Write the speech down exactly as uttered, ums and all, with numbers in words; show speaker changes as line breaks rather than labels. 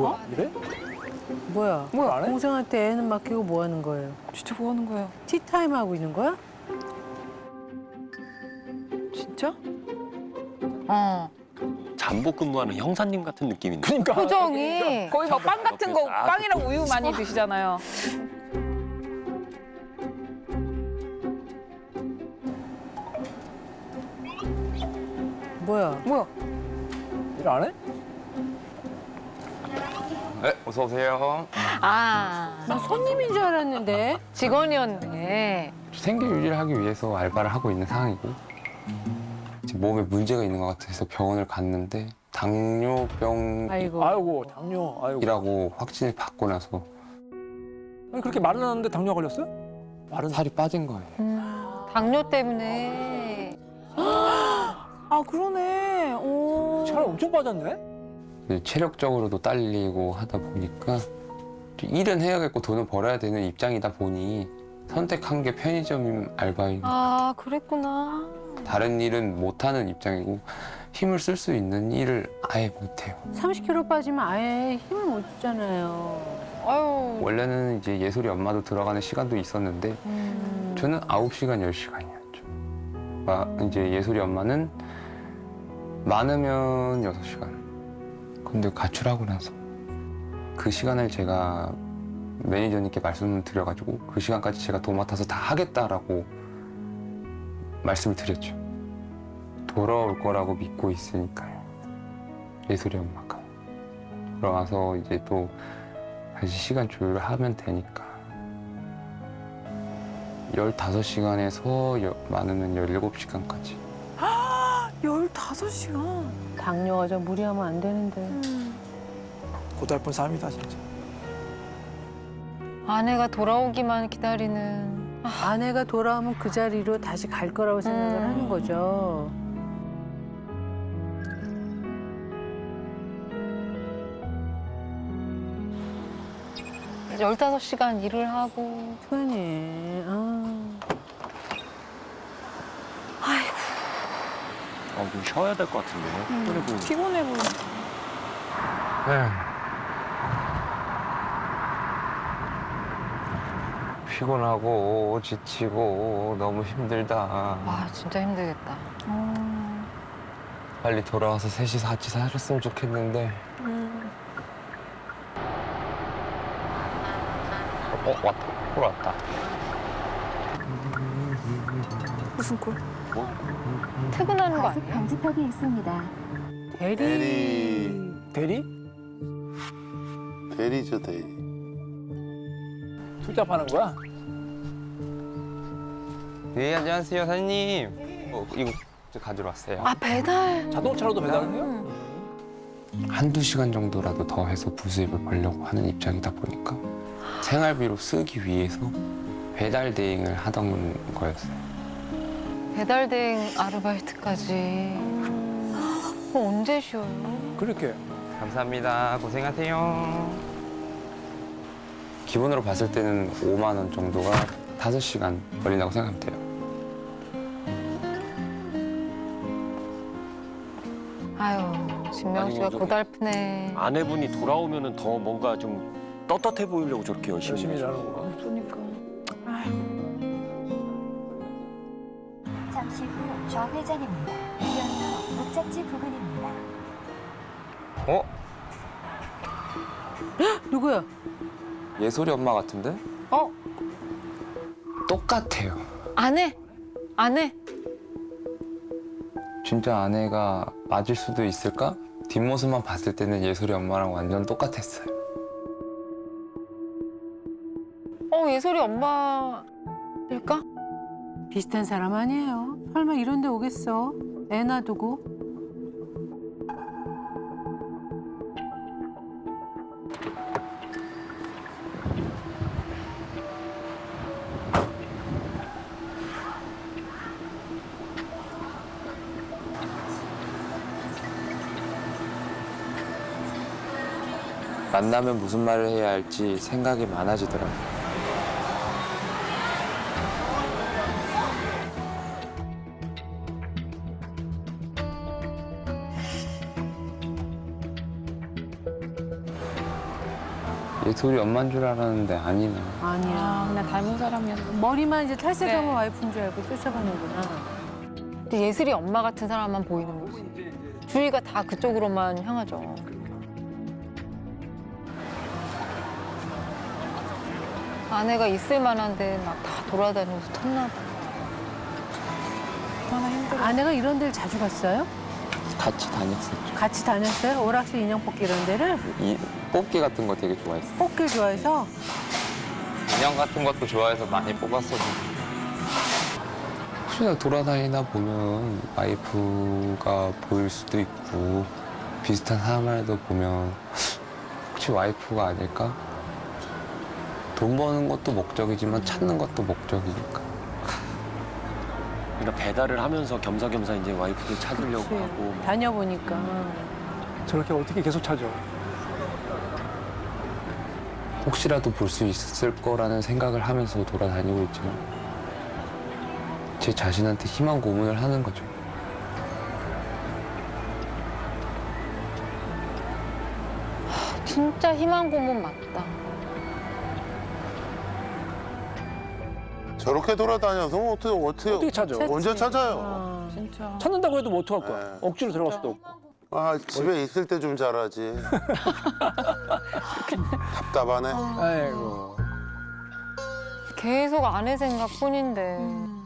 뭐야? 이래?
뭐야?
뭐야, 안 해?
동생한테 애는 맡기고 뭐 하는 거예요?
진짜 뭐 하는 거예요?
티타임 하고 있는 거야?
진짜? 어.
잠복 근무하는 형사님 같은 느낌인데.
그러니까.
표정이 거의 막 빵 같은 거
아,
빵이랑 우유 많이 드시잖아요.
뭐야?
뭐야?
일 안 해?
네, 어서 오세요.
아
나 손님인 줄 알았는데.
직원이었네.
생계 유지를 하기 위해서 알바를 하고 있는 상황이고 지금 몸에 문제가 있는 것 같아서 병원을 갔는데 당뇨병이라고
아이고.
아이고, 당뇨. 아이고.
확진을 받고 나서
아니, 그렇게 말은 하는데 당뇨 걸렸어요? 말은
살이 빠진 거예요.
당뇨 때문에. 아 그러네. 오.
살 엄청 빠졌네?
체력적으로도 딸리고 하다 보니까 일은 해야겠고 돈을 벌어야 되는 입장이다 보니 선택한 게 편의점 알바인
아 그랬구나.
다른 일은 못하는 입장이고 힘을 쓸 수 있는 일을 아예 못해요.
삼십 킬로그램 빠지면 아예 힘을 못 주잖아요.
아유.
원래는 이제 예솔이 엄마도 들어가는 시간도 있었는데
음.
저는 아홉 시간, 열 시간이었죠. 아, 이제 예솔이 엄마는 많으면 여섯 시간. 근데 가출하고 나서 그 시간을 제가 매니저님께 말씀을 드려가지고 그 시간까지 제가 도맡아서 다 하겠다라고 말씀을 드렸죠. 돌아올 거라고 믿고 있으니까요. 예솔이 엄마가. 돌아와서 이제 또 다시 시간 조율을 하면 되니까. 열다섯 시간에서 많으면 열일곱 시간까지.
열다섯 시간.
당뇨가 좀 무리하면 안 되는데.
고달픈 삶이다, 진짜.
아내가 돌아오기만 기다리는.
아내가 돌아오면 그 자리로 다시 갈 거라고 생각을
음.
하는 거죠.
열다섯 시간 일을 하고.
그러니. 아.
아, 좀 쉬어야 될 것 같은데요. 그리고
피곤해 보여.
피곤하고 지치고 너무 힘들다.
와 진짜 힘들겠다. 어.
빨리 돌아와서 셋이서 같이 살았으면 좋겠는데. 어, 왔다. 콜 왔다.
무슨 꼴? 퇴근하는 거
과속
아니야?
방지턱이 있습니다.
대리.
대리?
대리죠, 대리.
술잡하는 거야?
네, 안녕하세요, 사장님. 어, 이거 저 가지러 왔어요.
아 배달.
자동차로도 배달을 해요?
한두 시간 정도라도 더 해서 부수입을 벌려고 하는 입장이다 보니까 생활비로 쓰기 위해서 배달 대행을 하던 거였어요.
배달 대행 아르바이트까지. 그럼 언제 쉬어요?
그렇게.
감사합니다. 고생하세요. 기본으로 봤을 때는 오만 원 정도가 다섯 시간 걸린다고 생각하면 돼요.
아유 진명 씨가
아니, 뭐
고달프네.
아내분이 돌아오면은 더 뭔가 좀 떳떳해 보이려고 저렇게 열심히,
열심히
하죠.
일하는 거구나.
그러니까.
잠시 후 좌회전입니다. 이어서 목적지 부근입니다.
어?
누구야?
예솔이 엄마 같은데?
어?
똑같아요.
아내? 아내?
진짜 아내가 맞을 수도 있을까? 뒷모습만 봤을 때는 예솔이 엄마랑 완전 똑같았어요.
어 예솔이 엄마일까?
비슷한 사람 아니에요. 설마 이런 데 오겠어? 애 놔두고.
만나면 무슨 말을 해야 할지 생각이 많아지더라고요. 예솔이 엄마인 줄 알았는데 아니네.
아니야.
아, 그냥 닮은 사람이었어.
머리만 이제 탈색하면
네.
와이프인 줄 알고 쫓아가는구나.
근데 예슬이 엄마 같은 사람만 보이는 거지. 주위가 다 그쪽으로만 향하죠. 아내가 있을 만한데 막 다 돌아다니면서 텄나 봐. 얼마나 힘들어.
아내가 이런 데를 자주 갔어요?
같이 다녔었죠.
같이 다녔어요? 오락실 인형 뽑기 이런 데를?
이 뽑기 같은 거 되게 좋아했어요.
뽑기를 좋아해서?
인형 같은 것도 좋아해서 많이 뽑았었는데. 혹시나 돌아다니다 보면 와이프가 보일 수도 있고 비슷한 사람이라도 보면 혹시 와이프가 아닐까? 돈 버는 것도 목적이지만 찾는 것도 목적이니까.
그러니까 배달을 하면서 겸사겸사 이제 와이프도 찾으려고
그치.
하고 막.
다녀보니까.
저렇게 어떻게 계속 찾아?
혹시라도 볼 수 있을 거라는 생각을 하면서 돌아다니고 있지만 제 자신한테 희망 고문을 하는 거죠.
진짜 희망 고문 맞다.
저렇게 돌아다녀서 뭐 어떻게 어떻게
어떻게 찾아?
찾지.
언제 찾아요?
어.
진짜.
찾는다고 해도 뭐 어떡할 거야?
네.
억지로 들어갈 수도 없고.
아 집에 있을 때 좀 잘하지. 답답하네.
아이고.
계속 아내 생각뿐인데.